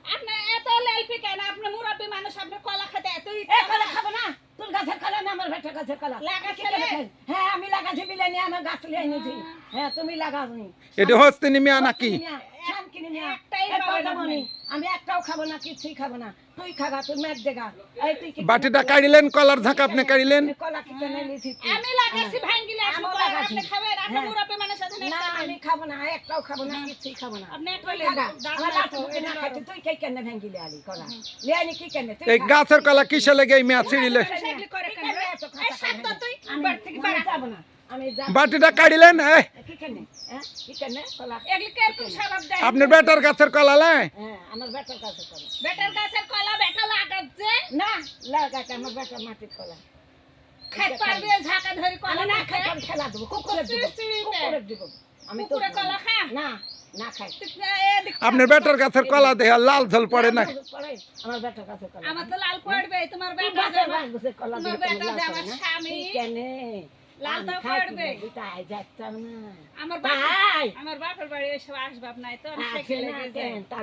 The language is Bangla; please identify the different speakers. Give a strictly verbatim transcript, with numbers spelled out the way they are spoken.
Speaker 1: আপনি এত লেলপি কেন? আপনি মুরব্বি মানুষ, আপনি কলা খেতে এত
Speaker 2: এ
Speaker 1: ইচ্ছা
Speaker 2: কলা
Speaker 1: করে?
Speaker 2: খাবো না, তোর গাছের কলা না আমার বেটার গাছের কলা।
Speaker 1: লাগাইছিলে?
Speaker 2: হ্যাঁ আমি লাগাইছি বিলে নিয়ে আমার গাছ লিয়ে এনেছি। হ্যাঁ তুমি লাগাওনি।
Speaker 3: এটা হস্তিনী মিয়া নাকি?
Speaker 2: শানকিনি মিয়া,
Speaker 1: একটাই
Speaker 2: এ
Speaker 1: পাবেন
Speaker 2: পদ্মমণি,
Speaker 1: আপনি।
Speaker 2: আমি একটাও খাবো না, কিছুই খাবো না। তুই খাগা, তুই মেঘ দেগা। এই তুই কি
Speaker 3: বাটিটা কাড়িলেন, কলার ঝাঁক আপনি কাড়িলেন।
Speaker 2: এই কলা কি কেন নিয়েছিস তুই?
Speaker 1: আমি লাগাইছি ভাঙ্গিলে আপনি
Speaker 2: আমিও
Speaker 1: কলা,
Speaker 2: লাগাইছি।
Speaker 1: আপনি খাবেন? আপনি
Speaker 2: হ্যাঁ।
Speaker 1: মুরব্বি মানুষ আছেন,
Speaker 2: না
Speaker 1: একটা
Speaker 2: আমি
Speaker 1: নেন।
Speaker 2: খাবো না, একটাও খাবো না, কিছুই খাবো না।
Speaker 1: আপনি একটা
Speaker 2: তুই
Speaker 1: লেন,
Speaker 2: খাগা,
Speaker 1: দাঁত
Speaker 2: আমার
Speaker 1: নাই
Speaker 2: লাঠি
Speaker 1: তো,
Speaker 2: তুই না
Speaker 1: এটা
Speaker 2: খাইতে,
Speaker 1: ধরো।
Speaker 2: তুই কে কেন ভাঙ্গিলে আলি কলা? লিয়ে আনি কি কেন? তুই
Speaker 3: এই
Speaker 2: খা।
Speaker 3: গাছের কলা কিসে লেগে এই মিয়া ছিড়িলে?
Speaker 1: সেগুলি করে কেন?
Speaker 2: কেন এত
Speaker 1: এই
Speaker 2: কথা
Speaker 1: শান্ত
Speaker 2: কয়?
Speaker 1: তুই,
Speaker 2: আমি
Speaker 1: বাড়ি থেকে
Speaker 2: আমি
Speaker 1: বাড়া।
Speaker 2: যাবো না, আমি যাবো না।
Speaker 3: বাটিটা কাড়িলেন, এই
Speaker 2: কি কেন? হ্যাঁ কি কেন কলা?
Speaker 1: এগুলি কে কোন স্বভাব দেয়?
Speaker 3: আপনার বেটার গাছের কলা লাই?
Speaker 2: হ্যাঁ আমার বেটার কাছে কলা।
Speaker 1: বেটার গাছের কলা বেটা লাগাচ্ছে,
Speaker 2: না লাগাতে আমার বেটার মাটির কলা।
Speaker 1: খাইতে পারবে ঝাঁকা ধরে কলা
Speaker 2: আমি না
Speaker 1: না
Speaker 2: খাই,
Speaker 1: খায়?
Speaker 2: আমি খেলা দেবো, কুকুরে দিব,
Speaker 1: সিঁড়িতে।
Speaker 2: কুকুরে দিব। আমি তো
Speaker 1: কুকুরে কলা খা?
Speaker 2: না না খাই।
Speaker 3: আপনার বেটার গাছের কলা দেয়া লাল ঝোল পড়ে না?
Speaker 2: পড়ে, আমার বেটার কাছে কলা।
Speaker 1: আমার তো লাল পড়বে, তোমার
Speaker 2: তুই
Speaker 1: বেটা
Speaker 2: বাপের
Speaker 1: যাবে।
Speaker 2: বাস বসে কলা
Speaker 1: তোমার
Speaker 2: দিয়ে
Speaker 1: বেটা
Speaker 2: লাল
Speaker 1: যে
Speaker 2: করে
Speaker 1: আমার
Speaker 2: না?
Speaker 1: স্বামী।
Speaker 2: কি কেনে?
Speaker 1: লাল
Speaker 2: আমি
Speaker 1: তো
Speaker 2: খাই
Speaker 1: পড়বে।
Speaker 2: কি না, তাই যাচ্তাম না।
Speaker 1: আমার বাপ,
Speaker 2: তাই
Speaker 1: আমার বাপের বাড়ি এসব আসবাব নাই তো, আমি
Speaker 2: আসে
Speaker 1: সাইকেলে
Speaker 2: না
Speaker 1: দিয়ে যাই।
Speaker 2: কেন?